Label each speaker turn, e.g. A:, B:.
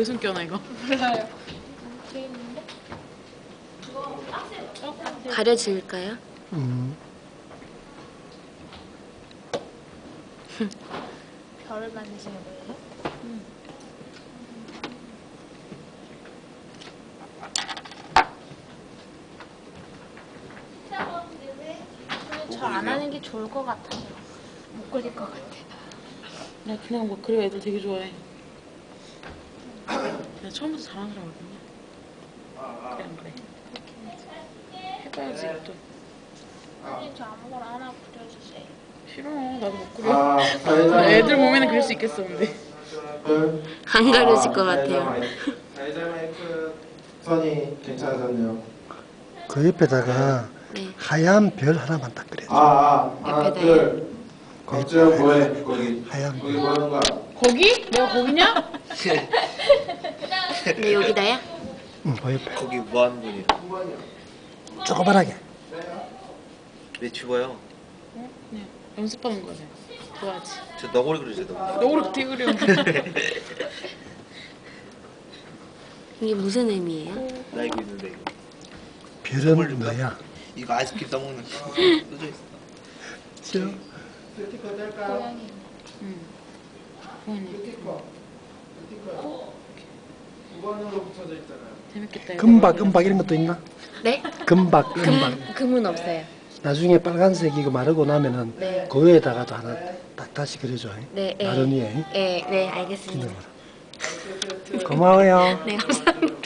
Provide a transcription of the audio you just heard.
A: 왜 숨겨놔 이거?
B: 몰라요.
C: 가려질까요?
B: 별을 만드시는 거예요? 저 안 하는 게 좋을 것 같아요. 못 그릴 것 같아.
A: 나 그냥 뭐 그래 애들 되게 좋아해. 내가 처음부터 잘하는 사람이거든요. 그래 안 그래? 해봐야지 또.
B: 선생님 저 아무거나 하나 그려주세요.
A: 싫어 나도 못 그려. 애들 몸에는 그릴 수 있겠어 근데.
C: 안 가려질 것 같아요.
D: 사회자 마이크 선이 괜찮아졌네요.
E: 그 옆에다가
C: 네.
E: 하얀 별 하나만 딱 그려줘.
D: 하나
C: 옆에다요?
D: 둘. 걱정 뭐해 거기.
E: 하얀
D: 거기
E: 별.
D: 뭐 하는 거야?
A: 거기? 내가 거기냐?
C: 네, 여기다야?
E: 응, 그 옆에.
F: 거기 뭐 하는 분이야?
E: 조그만하게.
F: 왜 죽어요?
A: 그냥 연습하는 거지. 좋아하지.
F: 저 너구리 그리세요, 너구리.
A: 너구리 어떻게 그려?
C: 이게 무슨 의미예요?
F: 나 이거 있는데 이거.
E: 별은 뭐야?
F: 이거 아이스크림 떠먹는 거 써져 있어.
E: 저
D: 스티커 뗄까요?
A: 응. 그거는
D: 스티커. 9번으로 붙여져 있잖아요.
A: 재밌겠다.
E: 금박 이런 것도 있나?
C: 네?
E: 금박.
C: 금은 없어요.
E: 나중에 빨간색 이거 마르고 나면은
C: 네.
E: 그 위에다가도 하나 딱 다시 그려줘.
C: 네,
E: 마른 위에.
C: 네, 네, 알겠습니다.
E: 고마워요.
C: 네, 감사합니다.